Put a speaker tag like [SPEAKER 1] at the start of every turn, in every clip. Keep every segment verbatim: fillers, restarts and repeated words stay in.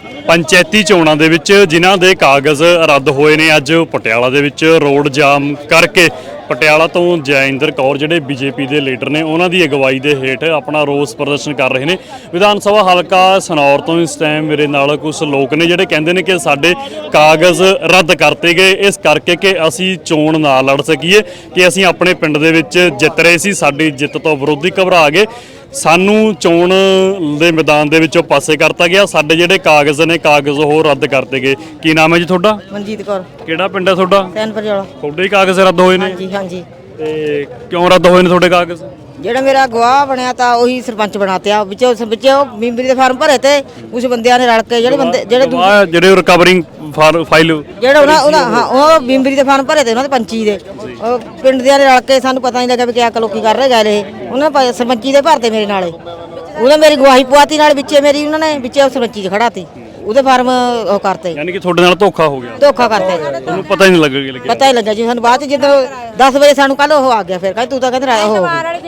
[SPEAKER 1] ਪੰਚਾਇਤੀ ਚੋਣਾਂ ਦੇ ਵਿੱਚ ਜਿਨ੍ਹਾਂ ਦੇ ਕਾਗਜ਼ ਰੱਦ ਹੋਏ ਨੇ ਅੱਜ ਪਟਿਆਲਾ ਦੇ ਵਿੱਚ ਰੋਡ ਜਾਮ ਕਰਕੇ ਪਟਿਆਲਾ ਤੋਂ ਜੈਇੰਦਰ ਕੌਰ ਜਿਹੜੇ ਬੀਜੇਪੀ ਦੇ ਲੀਡਰ ਨੇ ਉਹਨਾਂ ਦੀ ਅਗਵਾਈ ਦੇ ਹੇਠ ਆਪਣਾ ਰੋਸ ਪ੍ਰਦਰਸ਼ਨ ਕਰ ਰਹੇ ਨੇ। ਵਿਧਾਨ ਸਭਾ ਹਲਕਾ ਸਨੌਰ ਤੋਂ ਇਸ ਟਾਈਮ ਮੇਰੇ ਨਾਲ ਕੁਝ ਲੋਕ ਨੇ ਜਿਹੜੇ ਕਹਿੰਦੇ ਨੇ ਕਿ ਸਾਡੇ ਕਾਗਜ਼ ਰੱਦ ਕਰਤੇ ਗਏ ਇਸ ਕਰਕੇ ਕਿ ਅਸੀਂ ਚੋਣ ਨਾ ਲੜ ਸਕੀਏ, ਕਿ ਅਸੀਂ ਆਪਣੇ ਪਿੰਡ ਦੇ ਵਿੱਚ ਜਿੱਤ ਰਹੇ ਸੀ, ਸਾਡੀ ਜਿੱਤ ਤੋਂ ਵਿਰੋਧੀ ਘਬਰਾ ਗਏ, ਸਾਨੂੰ ਚੋਣ ਦੇ ਮੈਦਾਨ ਦੇ ਵਿੱਚੋਂ ਪਾਸੇ ਕਰਤਾ ਗਿਆ, ਸਾਡੇ ਜਿਹੜੇ ਕਾਗਜ਼ ਨੇ ਕਾਗਜ਼ ਉਹ ਰੱਦ ਕਰਤੇ ਗਏ। ਕੀ ਨਾਮ ਹੈ ਜੀ ਤੁਹਾਡਾ?
[SPEAKER 2] ਮਨਜੀਤ ਕੌਰ।
[SPEAKER 1] ਕਿਹੜਾ ਪਿੰਡ ਹੈ ਤੁਹਾਡਾ?
[SPEAKER 2] ਸੈਨਪੁਰ ਵਾਲਾ।
[SPEAKER 1] ਤੁਹਾਡੇ ਹੀ ਕਾਗਜ਼ ਰੱਦ ਹੋਏ ਨੇ?
[SPEAKER 2] ਹਾਂਜੀ ਹਾਂਜੀ।
[SPEAKER 1] ਤੇ ਕਿਉਂ ਰੱਦ ਹੋਏ ਨੇ ਤੁਹਾਡੇ ਕਾਗਜ਼?
[SPEAKER 2] ਜਿਹੜਾ ਮੇਰਾ ਗਵਾਹ ਬਣਿਆ ਤਾਂ ਉਹੀ ਸਰਪੰਚ ਬਣਾਤਿਆ, ਵਿੱਚੋਂ ਵਿੱਚੋਂ ਮੈਂਬਰੀ ਦੇ ਫਾਰਮ ਭਰੇ ਤੇ ਕੁਝ ਬੰਦਿਆਂ ਨੇ ਰਲ ਕੇ ਜਿਹੜੇ ਬੰਦੇ ਜਿਹੜੇ
[SPEAKER 1] ਗਵਾਹ ਜਿਹੜੇ ਰਿਕਵਰਿੰਗ ਫਾਈਲ
[SPEAKER 2] ਜਿਹੜਾ ਉਹਨਾਂ ਉਹਨਾਂ ਹਾਂ ਉਹ ਮੈਂਬਰੀ ਦੇ ਫਾਰਮ ਭਰੇ ਤੇ ਉਹਨਾਂ ਦੇ ਪੰਚੀ ਦੇ ਉਹ ਪਿੰਡ ਦੇ ਨੇ ਰਲ ਕੇ, ਸਾਨੂੰ ਪਤਾ ਨਹੀਂ ਲੱਗਾ ਵੀ ਕਿਆ ਲੋਕੀ ਕਰ ਰਹੇ ਗਏ ਇਹ ਉਹਨਾਂ ਨੇ ਸਰਪੰਚੀ ਦੇ ਭਰਤੇ ਮੇਰੇ ਨਾਲੇ, ਉਹਨੇ ਮੇਰੀ ਗਵਾਹੀ ਪਵਾਤੀ ਨਾਲ ਵਿੱਚੇ ਮੇਰੀ ਉਹਨਾਂ ਨੇ ਵਿੱਚੇ ਸਰਪੰਚੀ 'ਚ ਖੜਾ ਤੀ ਉਹਦੇ ਫਾਰਮ ਉਹ ਕਰਤੇ।
[SPEAKER 1] ਯਾਨੀ ਕਿ ਤੁਹਾਡੇ ਨਾਲ ਧੋਖਾ ਹੋ ਗਿਆ?
[SPEAKER 2] ਧੋਖਾ ਕਰਤੇ,
[SPEAKER 1] ਤੁਹਾਨੂੰ ਪਤਾ ਹੀ ਨਹੀਂ ਲੱਗਿਆ?
[SPEAKER 2] ਪਤਾ ਹੀ ਲੱਗਾ ਜੀ ਸਾਨੂੰ ਬਾਅਦ ਚ ਜਦੋਂ ਦਸ ਵਜੇ ਸਾਨੂੰ ਕੱਲ ਉਹ ਆ ਗਿਆ, ਫਿਰ ਕਹਿੰਦੇ ਤੂੰ ਤਾਂ ਕਹਿੰਦਾ ਉਹ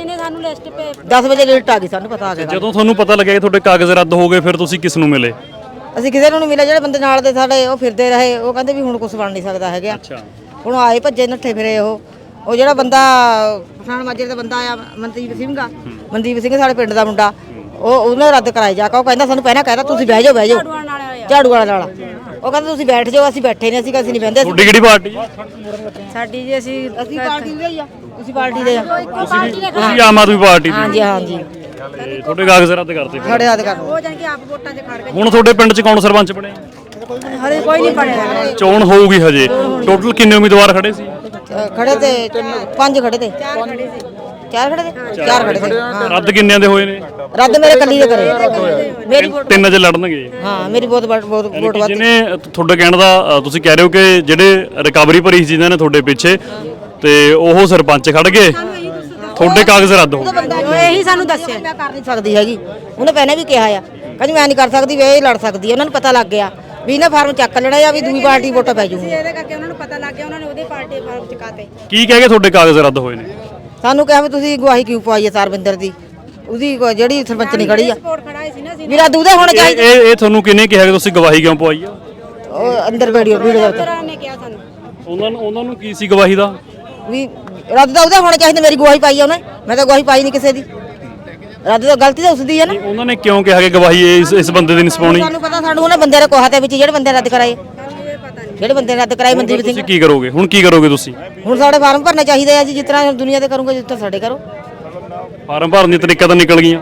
[SPEAKER 2] ਦਸ ਵਜੇ ਲਿਸਟ ਆ ਗਈ, ਸਾਨੂੰ ਪਤਾ ਆ ਗਿਆ।
[SPEAKER 1] ਜਦੋਂ ਤੁਹਾਨੂੰ ਪਤਾ ਲੱਗਿਆ ਕਿ ਤੁਹਾਡੇ ਕਾਗਜ਼ ਰੱਦ ਹੋ ਗਏ ਫਿਰ ਤੁਸੀਂ ਕਿਸ ਨੂੰ ਮਿਲੇ?
[SPEAKER 2] ਅਸੀਂ ਕਿਸੇ ਨੂੰ ਨਹੀਂ ਮਿਲੇ, ਜਿਹੜੇ ਬੰਦੇ ਨਾਲ ਦੇ ਸਾਡੇ ਉਹ ਫਿਰਦੇ ਰਹੇ ਉਹ ਕਹਿੰਦੇ ਵੀ ਹੁਣ ਕੁਝ ਬਣ ਨਹੀਂ ਸਕਦਾ ਹੈਗਾ।
[SPEAKER 1] ਅੱਛਾ।
[SPEAKER 2] ਹੁਣ ਆਏ ਭੱਜੇ ਨੱਠੇ ਫਿਰੇ ਉਹ ਉਹ ਜਿਹੜਾ ਬੰਦਾ ਪਠਾਨ ਮਾਜਰੇ ਦਾ ਬੰਦਾ ਆਇਆ ਮਨਦੀਪ ਸਿੰਘ ਆ, ਮਨਦੀਪ ਸਿੰਘ ਸਾਡੇ ਪਿੰਡ ਦਾ ਮੁੰਡਾ, ਉਹ ਉਹਨੇ ਰੱਦ ਕਰਾਈ ਜਾ ਕੇ ਉਹ ਕਹਿੰਦਾ ਸਾਨੂੰ ਪਹਿਲਾਂ ਕਹਿੰਦਾ ਤੁਸੀਂ ਬਹਿ ਜਾਓ ਬਹਿ ਜਾਓ ਝਾੜੂ ਵਾਲਾ ਨਾਲ, ਉਹ ਕਹਿੰਦਾ ਤੁਸੀਂ ਬੈਠ ਜਾਓ, ਅਸੀਂ ਬੈਠੇ ਨੇ, ਅਸੀਂ ਅਸੀਂ ਨਹੀਂ ਬਹਿੰਦੇ।
[SPEAKER 1] ਤੁਹਾਡੀ ਕਿਹੜੀ ਪਾਰਟੀ?
[SPEAKER 2] ਸਾਡੀ ਜੀ ਅਸੀਂ ਅਸੀਂ ਪਾਰਟੀ ਦੇ ਹੀ ਆ, ਤੁਸੀਂ ਪਾਰਟੀ ਦੇ ਆ।
[SPEAKER 1] ਤੁਸੀਂ ਆਮ ਆਦਮੀ ਪਾਰਟੀ ਦੇ?
[SPEAKER 2] ਹਾਂਜੀ ਹਾਂਜੀ।
[SPEAKER 1] ਤੁਹਾਡੇ ਕਾਗਜ਼ ਰੱਦ ਕਰਤੇ?
[SPEAKER 2] ਸਾਡੇ ਰੱਦ ਕਰ
[SPEAKER 3] ਉਹ ਜਾਨ ਕਿ ਆਪ ਵੋਟਾਂ 'ਚ ਖੜ ਗਏ।
[SPEAKER 1] ਹੁਣ ਤੁਹਾਡੇ ਪਿੰਡ 'ਚ ਕੌਣ ਸਰਪੰਚ ਬਣੇ?
[SPEAKER 3] ਹਰੇ ਕੋਈ ਨਹੀਂ ਬਣਿਆ।
[SPEAKER 1] ਚੋਣ ਹੋਊਗੀ ਹਜੇ। ਟੋਟਲ ਕਿੰਨੇ ਉਮੀਦਵਾਰ ਖੜੇ ਸੀ?
[SPEAKER 2] ਖੜੇ ਤੇ ਪੰਜ ਖੜੇ ਤੇ ਚਾਰ ਖੜੇ ਸੀ ਚਾਰ ਖੜੇ ਤੇ ਚਾਰ ਖੜੇ ਤੇ।
[SPEAKER 1] ਰੱਦ ਕਿੰਨਿਆਂ ਦੇ ਹੋਏ ਨੇ?
[SPEAKER 2] ਰੱਦ ਮੇਰੇ ਕੱਲੀ ਦੇ ਕਰੇ, ਮੇਰੀ
[SPEAKER 1] ਤਿੰਨ ਚ ਲੜਨਗੇ।
[SPEAKER 2] ਹਾਂ ਮੇਰੀ ਬਹੁਤ ਬਹੁਤ ਵੋਟ ਵੱਧ।
[SPEAKER 1] ਜਿਹਨੇ ਤੁਹਾਡੇ ਕਹਿਣ ਦਾ ਤੁਸੀਂ ਕਹਿ ਰਹੇ ਹੋ ਕਿ ਜਿਹੜੇ ਰਿਕਵਰੀ ਭਰੀ ਸੀ ਜਿਨ੍ਹਾਂ ਨੇ ਤੁਹਾਡੇ ਪਿੱਛੇ ਤੇ ਉਹ ਸਰਪੰਚ ਖੜ ਗਏ, ਤੁਹਾਡੇ ਕਾਗਜ਼ ਰੱਦ ਹੋ ਗਏ।
[SPEAKER 3] ਇਹੀ ਸਾਨੂੰ ਦੱਸਿਆ।
[SPEAKER 2] ਮੈਂ ਕਰ ਨਹੀਂ ਸਕਦੀ ਹੈਗੀ, ਉਹਨੇ ਪਹਿਲਾਂ ਵੀ ਕਿਹਾ ਆ, ਕਹਿੰਦੀ ਮੈਂ ਨਹੀਂ ਕਰ ਸਕਦੀ ਵੀ ਇਹ ਲੜ ਸਕਦੀ ਹੈ। ਉਹਨਾਂ ਨੂੰ ਪਤਾ ਲੱਗ ਗਿਆ ਵੀ ਇਹਨਾਂ ਫਾਰਮ ਚੱਕ ਲੈਣਾ ਜਾਂ ਵੀ ਦੂਜੀ ਪਾਰਟੀ ਵੋਟਾਂ ਪੈ ਜੂਗੀ,
[SPEAKER 3] ਇਹਦੇ ਕਰਕੇ ਉਹਨਾਂ ਨੂੰ ਪਤਾ ਲੱਗ ਗਿਆ, ਉਹਨਾਂ ਨੇ ਉਹਦੇ ਪਾਰਟੀ ਫਾਰਮ ਚਕਾਤੇ।
[SPEAKER 1] ਕੀ ਕਹਿ ਕੇ ਤੁਹਾਡੇ ਕਾਗਜ਼ ਰੱਦ ਹੋਏ ਨੇ?
[SPEAKER 2] ਸਾਨੂੰ ਕਿਹਾ ਵੀ ਤੁਸੀਂ ਗਵਾਹੀ ਕਿਉਂ ਪਵਾਈ ਹੈ ਸਰਵਿੰਦਰ ਦੀ, ਉਹਦੀ ਜਿਹੜੀ ਸਰਪੰਚ ਨਹੀਂ ਖੜੀ ਆ
[SPEAKER 3] ਸਪੋਰਟ ਖੜਾ ਸੀ ਨਾ ਅਸੀਂ।
[SPEAKER 2] ਵੀ ਰੱਦ ਉਹਦੇ ਹੋਣੇ ਚਾਹੀਦੇ।
[SPEAKER 1] ਇਹ ਇਹ ਤੁਹਾਨੂੰ ਕਿਹਨੇ ਕਿਹਾ ਕਿ ਤੁਸੀਂ ਗਵਾਹੀ ਕਿਉਂ ਪਵਾਈ ਆ?
[SPEAKER 2] ਉਹ ਅੰਦਰ ਵੀਡੀਓ ਵੀਡੀਓ ਦੇ ਉੱਤੇ
[SPEAKER 3] ਨੇ ਕਿਹਾ ਸਾਨੂੰ।
[SPEAKER 1] ਉਹਨਾਂ ਨੂੰ ਉਹਨਾਂ ਨੂੰ ਕੀ ਸੀ ਗਵਾਹੀ ਦਾ?
[SPEAKER 2] ਵੀ ਰੱਦ ਤਾਂ ਉਹਦੇ ਹੋਣੇ ਚਾਹੀਦੇ, ਮੇਰੀ ਗਵਾਹੀ ਪਾਈ ਆ ਉਹਨੇ, ਮੈਂ ਤਾਂ ਗਵਾਹੀ ਪਾਈ ਨਹੀਂ ਕਿਸੇ ਦੀ। ਰੱਦ ਤਾਂ ਗਲਤੀ ਤਾਂ ਉਸਦੀ ਹੈ ਨਾ।
[SPEAKER 1] ਉਹਨਾਂ ਨੇ ਕਿਉਂ ਕਿਹਾ ਕਿ ਗਵਾਹੀ ਇਸ ਇਸ ਬੰਦੇ ਦੀ ਨਹੀਂ ਸਪਾਉਣੀ?
[SPEAKER 2] ਸਾਨੂੰ ਪਤਾ, ਸਾਨੂੰ ਉਹਨਾਂ ਬੰਦੇ ਦੇ ਕੋਹਾ ਦੇ ਵਿੱਚ ਜਿਹੜੇ ਬੰਦੇ ਰੱਦ ਕਰਾਏ, ਜਿਹੜੇ ਬੰਦੇ ਰੱਦ ਕਰਾਏ ਮਨਦੀਪ ਸਿੰਘ।
[SPEAKER 1] ਤੁਸੀਂ ਕੀ ਕਰੋਗੇ ਹੁਣ? ਕੀ ਕਰੋਗੇ ਤੁਸੀਂ?
[SPEAKER 2] ਹੁਣ ਸਾਡੇ ਫਾਰਮ ਭਰਨੇ ਚਾਹੀਦੇ ਆ ਜੀ, ਜਿਸ ਤਰ੍ਹਾਂ ਦੁਨੀਆ ਦੇ ਕਰੂੰਗੇ ਜਿਸ ਤਰ੍ਹਾਂ ਸਾਡੇ ਕਰੋ।
[SPEAKER 1] ਫਾਰਮ ਭਰਨ ਦੀ ਤਰੀਕਾ ਤਾਂ ਨਿਕਲ ਗਈਆਂ,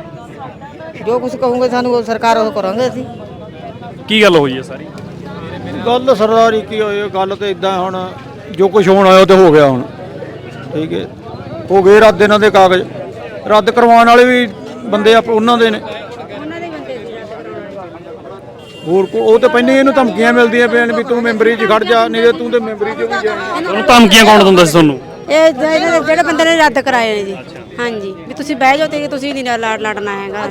[SPEAKER 2] ਜੋ ਕੁਝ ਕਹੋਗੇ ਸਾਨੂੰ ਉਹ ਸਰਕਾਰ ਉਹ ਕਰਾਂਗੇ ਅਸੀਂ।
[SPEAKER 1] ਕੀ ਗੱਲ ਹੋਈ ਹੈ ਸਾਰੀ?
[SPEAKER 4] ਗੱਲ ਸਰਦਾਰੀ ਕੀ ਹੋਈ ਹੈ, ਗੱਲ ਤੇ ਇਦਾਂ ਹੁਣ ਜੋ ਕੁਝ ਹੋਣਾ ਹੋਇਆ ਉਹ ਤੇ ਹੋ ਗਿਆ। ਹੁਣ ਠੀਕ ਹੈ, ਹੋ ਗਏ ਰੱਦ ਇਹਨਾਂ ਦੇ ਕਾਗਜ਼, ਰੱਦ ਕਰਵਾਉਣ ਵਾਲੇ ਵੀ ਬੰਦੇ ਆਪ ਉਹਨਾਂ ਦੇ ਨੇ, ਹੋਰ ਕੋ ਉਹ ਤੇ ਪਹਿਲਾਂ ਇਹਨੂੰ ਧਮਕੀਆਂ ਮਿਲਦੀਆਂ ਪਈਆਂ ਵੀ ਤੂੰ ਮੈਂਬਰੀ 'ਚ ਖੜ ਜਾ, ਨਹੀਂ ਤੇ ਤੂੰ ਤੇ ਮੈਂਬਰੀ 'ਚ ਵੀ ਜਾ।
[SPEAKER 1] ਤੁਹਾਨੂੰ ਧਮਕੀਆਂ ਕੌਣ ਦਿੰਦਾ ਸੀ ਤੁਹਾਨੂੰ?
[SPEAKER 3] ਇਹ ਜਿਹੜੇ ਬੰਦੇ ਨੇ ਰੱਦ ਕਰਾਏ ਨੇ ਜੀ। ਹਾਂਜੀ, ਵੀ ਤੁਸੀਂ ਬਹਿ ਜਾਓ ਤੇ ਤੁਸੀਂ ਨਹੀਂ ਲੜ ਲੜਨਾ ਹੈਗਾ।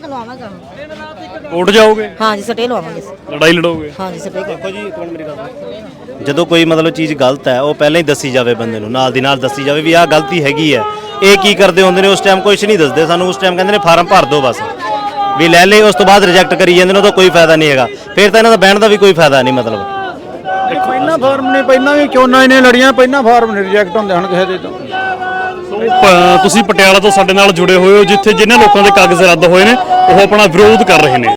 [SPEAKER 1] ਕੋਰਟ ਜਾਓਗੇ?
[SPEAKER 2] ਹਾਂ ਜੀ, ਸਟੇ ਲਵਾਵਾਂਗੇ,
[SPEAKER 1] ਲੜਾਈ ਲੜੋਗੇ?
[SPEAKER 2] ਹਾਂ ਜੀ ਸਟੇ।
[SPEAKER 5] ਦੇਖੋ ਜੀ ਕੌਣ ਮੇਰੀ ਗੱਲ, ਜਦੋਂ ਕੋਈ ਮਤਲਬ ਚੀਜ਼ ਗਲਤ ਹੈ ਉਹ ਪਹਿਲਾਂ ਹੀ ਦੱਸੀ ਜਾਵੇ, ਬੰਦੇ ਨੂੰ ਨਾਲ ਦੀ ਨਾਲ ਦੱਸੀ ਜਾਵੇ ਵੀ ਆਹ ਗਲਤੀ ਹੈਗੀ ਹੈ। ਇਹ ਕੀ ਕਰਦੇ ਹੁੰਦੇ ਨੇ ਉਸ ਟਾਈਮ ਕੁਝ ਨਹੀਂ ਦੱਸਦੇ ਸਾਨੂੰ, ਉਸ ਟਾਈਮ ਕਹਿੰਦੇ ਨੇ ਫਾਰਮ ਭਰ ਦਿਓ ਬਸ, ਵੀ ਲੈ ਲੈ, ਉਸ ਤੋਂ ਬਾਅਦ ਰਿਜੈਕਟ ਕਰੀ ਜਾਂਦੇ ਨੇ, ਉਹਦਾ ਕੋਈ ਫਾਇਦਾ ਨਹੀਂ ਹੈਗਾ। ਫਿਰ ਤਾਂ ਇਹਨਾਂ ਦਾ ਬਹਿਣ ਦਾ ਵੀ ਕੋਈ ਫਾਇਦਾ ਨਹੀਂ। ਮਤਲਬ
[SPEAKER 4] ਪਹਿਲਾਂ ਫਾਰਮ ਨੇ ਪਹਿਲਾਂ ਵੀ ਚੋਣਾਂ ਇਹਨੇ ਲੜੀਆਂ, ਪਹਿਲਾਂ ਫਾਰਮ ਨੇ ਰਿਜੈਕਟ ਹੁੰਦੇ ਹਨ ਕਿਸੇ ਦੇ ਤੋਂ।
[SPEAKER 1] ਤੁਸੀਂ ਪਟਿਆਲਾ ਤੋਂ ਸਾਡੇ ਨਾਲ ਜੁੜੇ ਹੋਏ ਹੋ, ਜਿੱਥੇ ਜਿਨ੍ਹਾਂ ਲੋਕਾਂ ਦੇ ਕਾਗਜ਼ ਰੱਦ ਹੋਏ ਨੇ ਉਹ ਆਪਣਾ ਵਿਰੋਧ ਕਰ ਰਹੇ ਨੇ।